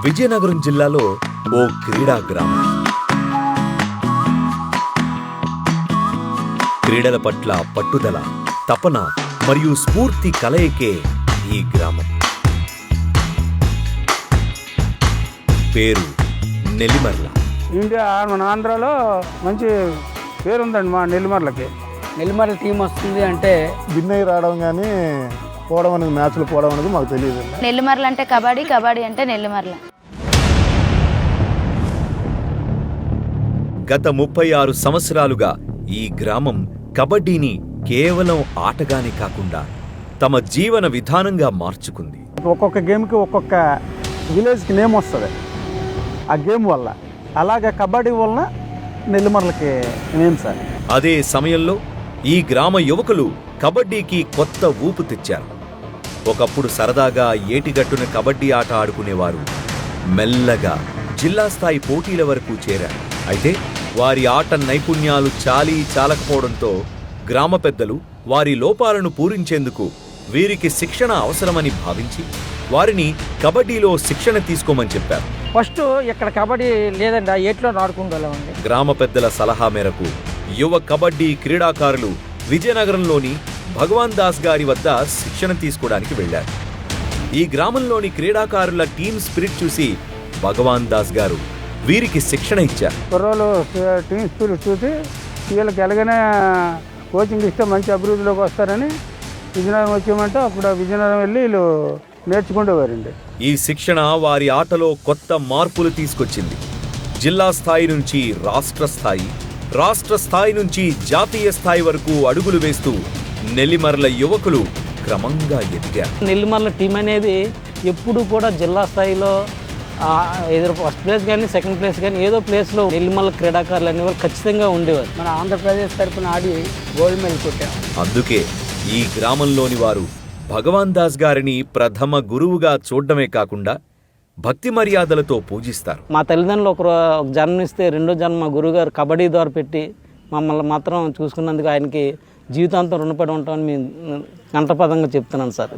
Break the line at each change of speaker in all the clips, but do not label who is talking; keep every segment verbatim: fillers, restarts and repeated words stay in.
విజయనగరం జిల్లాలో ఓ క్రీడా గ్రామం. క్రీడల పట్ల పట్టుదల, తపన మరియు స్ఫూర్తి కలయికే ఈ గ్రామం. పేరు నెల్లిమర్ల.
ఇండియా మన ఆంధ్రాలో మంచి పేరుందండి మా నెల్లిమర్లకి.
నెల్లిమర్ల టీం వస్తుంది అంటే
విన్నయ్య రావడం కానీ పోవడం అనేది, మ్యాచ్లు పోవడం అనేది మాకు తెలియదు.
నెల్లిమర్ల అంటే కబడ్డీ, కబడ్డీ అంటే నెల్లిమర్ల.
గత ముప్పై ఆరు సంవత్సరాలుగా ఈ గ్రామం కబడ్డీని కేవలం ఆటగానే కాకుండా తమ జీవన విధానంగా మార్చుకుంది.
ఒక్కొక్క గేమ్కి ఒక్కొక్క విలేజ్కి నేమ్ వస్తుంది ఆ గేమ్ వల్ల. అలాగే కబడ్డీ వలన నెల్లిమర్లకి నేమ్ సార్.
అదే సమయంలో ఈ గ్రామ యువకులు కబడ్డీకి కొత్త ఊపు తెచ్చారు. ఒకప్పుడు సరదాగా ఏటిగట్టున కబడ్డీ ఆట ఆడుకునేవారు మెల్లగా జిల్లా స్థాయి పోటీల వరకు చేరారు. అయితే వారి ఆట నైపుణ్యాలు చాలీ చాలకపోవడంతో గ్రామ పెద్దలు వారి లోపాలను పూరించేందుకు వీరికి శిక్షణ అవసరమని భావించి వారిని కబడ్డీలో శిక్షణ తీసుకోమని చెప్పారు.
ఫస్ట్ ఇక్కడ కబడ్డీ లేదండి, ఏట్లో ఆడుకుంటామండి.
గ్రామ పెద్దల సలహా మేరకు యువ కబడ్డీ క్రీడాకారులు విజయనగరంలోని భగవాన్ దాస్ గారి వద్ద శిక్షణ తీసుకోవడానికి వెళ్లారు. ఈ గ్రామంలోని క్రీడాకారుల టీమ్ స్పిరిట్ చూసి భగవాన్ దాస్ గారు వీరికి శిక్షణ ఇచ్చారు.
కుర్రోలు టీమ్ స్పిరిట్ చూసి వీళ్ళకి ఎలాగైనా కోచింగ్ ఇస్తే మంచి అభివృద్ధిలోకి వస్తారని విజయనగరం వచ్చామంటే అప్పుడు విజయనగరం వెళ్ళి వీళ్ళు నేర్చుకుంటేవారండి.
ఈ శిక్షణ వారి ఆటలో కొత్త మార్పులు తీసుకొచ్చింది. జిల్లా స్థాయి నుంచి రాష్ట్ర స్థాయి, రాష్ట్ర స్థాయి నుంచి జాతీయ స్థాయి వరకు అడుగులు వేస్తూ నెల్లిమర్ల యువకులు క్రమంగా ఎదిగారు.
నెల్లిమర్ల టీం అనేది ఎప్పుడు కూడా జిల్లా స్థాయిలో ఏదో ఫస్ట్ ప్లేస్ కానీ సెకండ్ ప్లేస్ కానీ ఏదో ప్లేస్లో నెల్లిమర్ల క్రీడాకారులు అనేవారు ఖచ్చితంగా ఉండేవారు. మన ఆంధ్రప్రదేశ్ తరఫున ఆడి గోల్డ్ మెడల్ కొట్టాం.
అందుకే ఈ గ్రామంలోని వారు భగవాన్ దాస్ గారిని ప్రథమ గురువుగా చూడడమే కాకుండా భక్తి మర్యాదలతో పూజిస్తారు.
మా తల్లిదండ్రులు ఒక జన్మనిస్తే రెండో జన్మ గురువుగారు కబడ్డీ ద్వారా పెట్టి మమ్మల్ని మాత్రం చూసుకున్నందుకు ఆయనకి జీవితాంతం రుణపడి ఉంటామని మేము కంఠపదంగా చెప్తున్నాను సార్.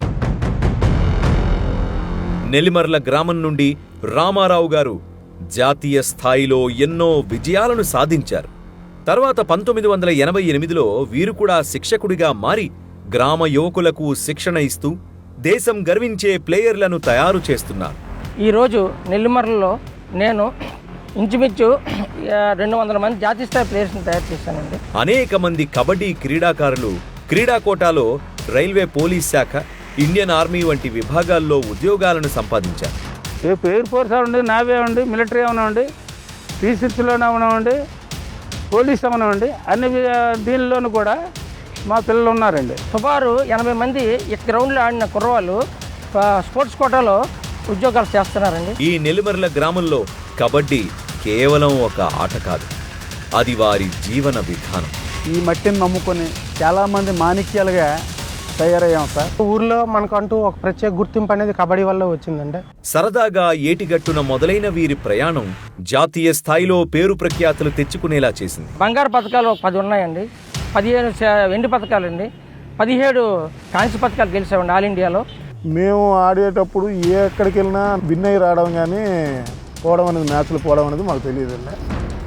నెల్లిమర్ల గ్రామం నుండి రామారావు గారు జాతీయ స్థాయిలో ఎన్నో విజయాలను సాధించారు. తర్వాత పంతొమ్మిది వందల ఎనభై ఎనిమిదిలో వీరు కూడా శిక్షకుడిగా మారి గ్రామ యువకులకు శిక్షణ ఇస్తూ దేశం గర్వించే ప్లేయర్లను తయారు చేస్తున్నారు.
ఈరోజు నెల్లిమర్లలో నేను ఇంచుమించు రెండు వందల మంది జాతీయ స్థాయి ప్లేయర్స్ని తయారు చేశానండి.
అనేక మంది కబడ్డీ క్రీడాకారులు క్రీడా కోటాలో రైల్వే, పోలీస్ శాఖ, ఇండియన్ ఆర్మీ వంటి విభాగాల్లో ఉద్యోగాలను సంపాదించారు.
ఏ ఎయిర్ ఫోర్స్ అవ్వండి, నావీ అవ్వండి, మిలిటరీ అవనివ్వండి, టీసీసీలోనే అవనివ్వండి, పోలీస్ అవనివ్వండి, అన్ని దీనిలోనూ కూడా మా పిల్లలు ఉన్నారండి.
సుమారు ఎనభై మంది ఈ గ్రౌండ్లో ఆడిన కుర్రవాళ్ళు స్పోర్ట్స్ కోటాలో ఉద్యోగాలు చేస్తున్నారండి.
ఈ నెల్లిమర్ల గ్రామంలో కబడ్డీ కేవలం ఒక ఆట కాదు, అది వారి జీవన విధానం.
ఈ మట్టిని నమ్ముకొని చాలామంది మాణిక్యాలుగా తయారయ్యాం సార్.
ఊర్లో మనకంటూ ఒక ప్రత్యేక గుర్తింపు అనేది కబడ్డీ వల్ల వచ్చిందండి.
సరదాగా ఏటిగట్టున మొదలైన వీరి ప్రయాణం జాతీయ స్థాయిలో పేరు ప్రఖ్యాతులు తెచ్చుకునేలా చేసింది.
బంగారు పథకాలు పది ఉన్నాయండి, పదిహేను వెండి పథకాలు అండి, పదిహేడు కాంస్య పథకాలు గెలిచామండి ఆల్ ఇండియాలో.
మేము ఆడేటప్పుడు ఏ ఎక్కడికి వెళ్ళినా విన్నయ్య రావడం కానీ పోవడం అనేది, మ్యాచ్లు పోవడం అనేది మాకు తెలియదండి.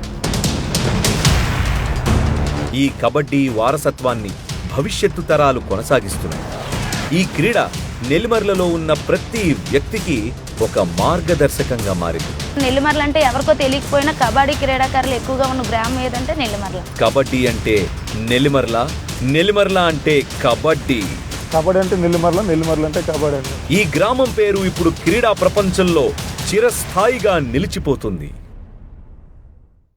ఈ కబడ్డీ వారసత్వాన్ని భవిష్యత్తు తరాలు కొనసాగిస్తున్నాయి. ఈ క్రీడ నెల్లిమర్లలో ఉన్న ప్రతి వ్యక్తికి ఒక మార్గదర్శకంగా మారింది.
నెల్లిమర్ల అంటే ఎవరికో తెలియకపోయినా కబడ్డీ క్రీడాకారులు ఎక్కువగా ఉన్న గ్రామం ఏదంటే నెల్లిమర్ల.
కబడ్డీ అంటే నెల్లిమర్ల, నెల్లిమర్ల అంటే కబడ్డీ.
కబడ్డీ అంటే నెల్లిమర్ల, నెల్లిమర్ల అంటే కబడ్డీ.
ఈ గ్రామం పేరు ఇప్పుడు క్రీడా ప్రపంచంలో చిరస్థాయిగా నిలిచిపోతుంది.